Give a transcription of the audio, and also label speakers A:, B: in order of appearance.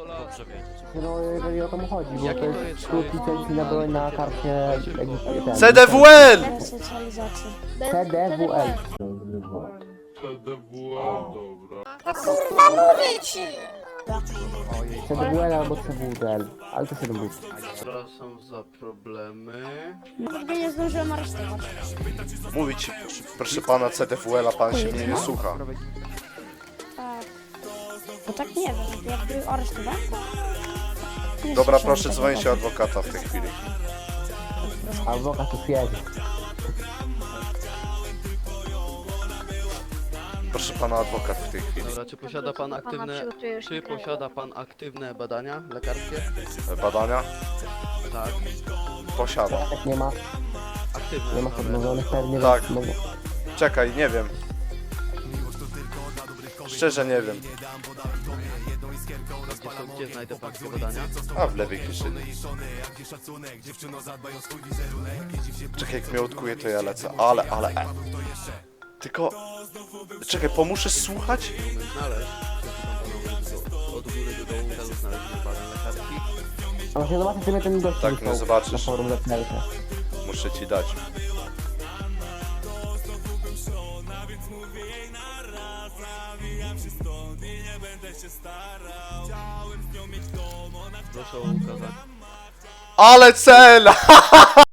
A: Dobrze wiedzieć.
B: No jeżeli o to mu chodzi, bo
A: Jaki
B: to
A: to
B: jest
A: jest
B: skrót licencji na broń na karcie... ten-
C: CDWL!
D: Resocjalizacji.
B: CDWL. CDWL albo CWDL, ale to się lubi.
E: Przepraszam za problemy.
D: Nigdy nie zdążyłem aresztować.
C: Mówi ci, proszę pana CDWL, a pan się mnie nie słucha.
D: Tak. Bo tak nie wiem, jakby aresztowałem to... nie
C: Dobra,
D: słyszałem
C: proszę
D: tego
C: dzwonić
D: tak.
C: adwokata w tej chwili.
B: Adwokat tu jedzie.
C: Proszę pana adwokat w tej chwili.
E: Dobra, czy posiada pan aktywne... Czy posiada pan aktywne badania lekarskie?
C: Badania?
E: Tak.
C: Posiadam.
B: Jak nie ma,
E: Aktywne.
B: nie ma
E: Dobra.
B: podmówionych pewnie,
C: Tak.
B: więc mogą.
C: Czekaj, nie wiem. Szczerze nie wiem.
E: Gdzie znajdę pańskie badania?
C: A w lewej kieszeni. Czekaj, jak mnie odkuje, to ja lecę. Ale. Tylko... Czekaj, pomóżesz słuchać?
E: Umiem znaleźć. Od góry do dołu celu znaleźć badań lekarskich.
B: A właśnie zobaczcie sobie ten gość
C: Tak,
B: wysłał
C: no zobaczysz.
B: na forum lepnego.
C: Muszę ci dać.
E: Proszę o ukazanie.
C: Ale cel!